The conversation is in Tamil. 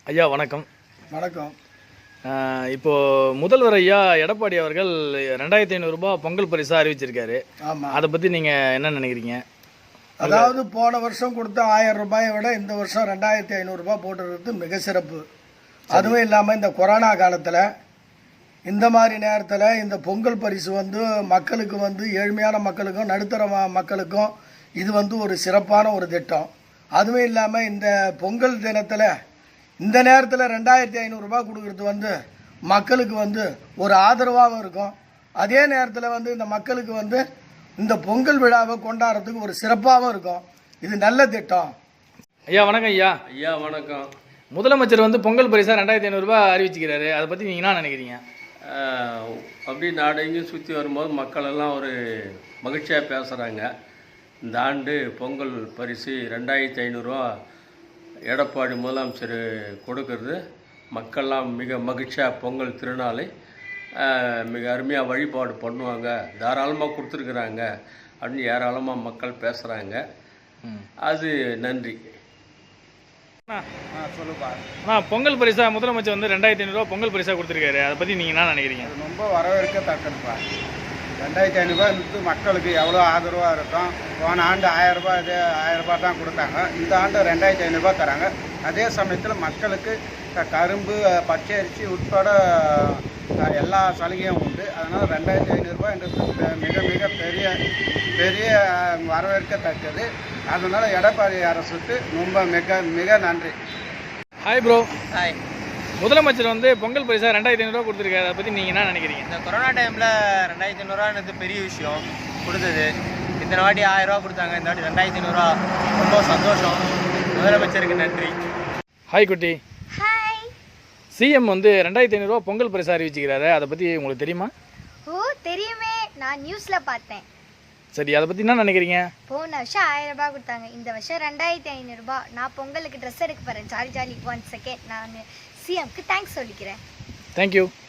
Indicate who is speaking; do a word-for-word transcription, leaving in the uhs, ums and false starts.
Speaker 1: ஐயா வணக்கம்.
Speaker 2: வணக்கம்.
Speaker 1: இப்போது முதல்வர் ஐயா எடப்பாடி அவர்கள் ரெண்டாயிரத்தி ஐநூறுரூபா பொங்கல் பரிசாக அறிவிச்சிருக்காரு.
Speaker 2: ஆமாம்,
Speaker 1: அதை பற்றி நீங்கள் என்ன நினைக்கிறீங்க?
Speaker 2: அதாவது போன வருஷம் கொடுத்த ஆயிரம் ரூபாயை விட இந்த வருஷம் ரெண்டாயிரத்தி ஐநூறுரூபா போட்டுறது மிக சிறப்பு. அதுவும் இல்லாமல் இந்த கொரோனா காலத்தில் இந்த மாதிரி நேரத்தில் இந்த பொங்கல் பரிசு வந்து மக்களுக்கு வந்து ஏழ்மையான மக்களுக்கும் நடுத்தர மக்களுக்கும் இது வந்து ஒரு சிறப்பான ஒரு திட்டம். அதுவும் இல்லாமல் இந்த பொங்கல் தினத்தில் இந்த நேரத்தில் ரெண்டாயிரத்தி ஐநூறுரூபா கொடுக்குறது வந்து மக்களுக்கு வந்து ஒரு ஆதரவாகவும் இருக்கும். அதே நேரத்தில் வந்து இந்த மக்களுக்கு வந்து இந்த பொங்கல் விழாவை கொண்டாடுறதுக்கு ஒரு சிறப்பாகவும் இருக்கும். இது நல்ல திட்டம்.
Speaker 1: ஐயா வணக்கம். ஐயா
Speaker 3: ஐயா வணக்கம்.
Speaker 1: முதலமைச்சர் வந்து பொங்கல் பரிசாக ரெண்டாயிரத்தி ஐநூறுரூபா அறிவிச்சுக்கிறாரு. அதை பற்றி நீங்கள் என்ன நினைக்கிறீங்க?
Speaker 3: அப்படி நாடெங்கும் சுற்றி வரும்போது மக்கள் எல்லாம் ஒரு மகிழ்ச்சியாக பேசுகிறாங்க. இந்த ஆண்டு பொங்கல் பரிசு ரெண்டாயிரத்தி ஐநூறுரூவா எடப்பாடி முதலமைச்சர் கொடுக்கறது மக்கள்லாம் மிக மகிழ்ச்சியாக பொங்கல் திருநாளை மிக அருமையாக வழிபாடு பண்ணுவாங்க, தாராளமாக கொடுத்துருக்குறாங்க அப்படின்னு ஏராளமாக மக்கள் பேசுகிறாங்க. அது நன்றி.
Speaker 2: சொல்லுப்பா.
Speaker 1: ஆனால் பொங்கல் பரிசா முதலமைச்சர் வந்து ரெண்டாயிரத்தி ஐநூறுரூவா பொங்கல் பரிசாக கொடுத்துருக்காரு. அதை பற்றி நீங்கள் என்ன நினைக்கிறீங்க?
Speaker 2: ரொம்ப வரவேற்கத்தக்கதுப்பா. ரெண்டாயிரத்தி ஐநூறுரூவா வந்து மக்களுக்கு எவ்வளோ ஆதரவாக இருக்கும். போன ஆண்டு ஆயிரம் ரூபாய் இதே ஆயிரம் ரூபாய் தான் கொடுத்தாங்க. இந்த ஆண்டு ரெண்டாயிரத்தி ஐநூறுரூபா தராங்க. அதே சமயத்தில் மக்களுக்கு கரும்பு, பச்சை அரிசி உட்பட எல்லா சலுகையும் உண்டு. அதனால் ரெண்டாயிரத்தி ஐநூறுரூபான்றது மிக மிக பெரிய பெரிய வரவேற்கத்தக்கது. அதனால் எடப்பாடி அரசுக்கு ரொம்ப மிக மிக நன்றி.
Speaker 1: Hi bro.
Speaker 4: ஹாய்.
Speaker 1: முதலமைச்சர் வந்து பொங்கல் பரிசா ரெண்டாயிரத்தி ஐநூறுரூவா கொடுத்துருக்காரு. அதை பற்றி நீங்கள் என்ன நினைக்கிறீங்க?
Speaker 4: இந்த கொரோனா டைமில் ரெண்டாயிரத்தி ஐநூறுரூவான்றது பெரிய விஷயம் கொடுத்தது. இத்தனை வாட்டி ஆயிரரூவா கொடுத்தாங்க, இந்த வாட்டி ரெண்டாயிரத்தி ஐநூறுரூவா. ரொம்ப சந்தோஷம். முதலமைச்சருக்கு நன்றி.
Speaker 1: ஹாய் குட்டி.
Speaker 5: ஹாய்.
Speaker 1: சிஎம் வந்து ரெண்டாயிரத்தி ஐநூறுரூவா பொங்கல் பரிசா அறிவிச்சுக்கிறாரு. அதை பற்றி உங்களுக்கு தெரியுமா?
Speaker 5: ஓ தெரியுமே, நான் நியூஸில் பார்த்தேன்.
Speaker 1: சரி, அதை பற்றி என்ன நினைக்கிறீங்க?
Speaker 5: போன வருஷம் ஆயிரம் ரூபாய் கொடுத்தாங்க, இந்த வருஷம் ரெண்டாயிரத்தி ஐநூறுரூபா. நான் பொங்கலுக்கு ட்ரெஸ் எடுக்க போகிறேன். ஜாலி ஜாலி ஒன் செகண்ட் நான் சிஎம்க்கு தேங்க்ஸ் சொல்லிக்கிறேன்.
Speaker 1: தேங்க்யூ.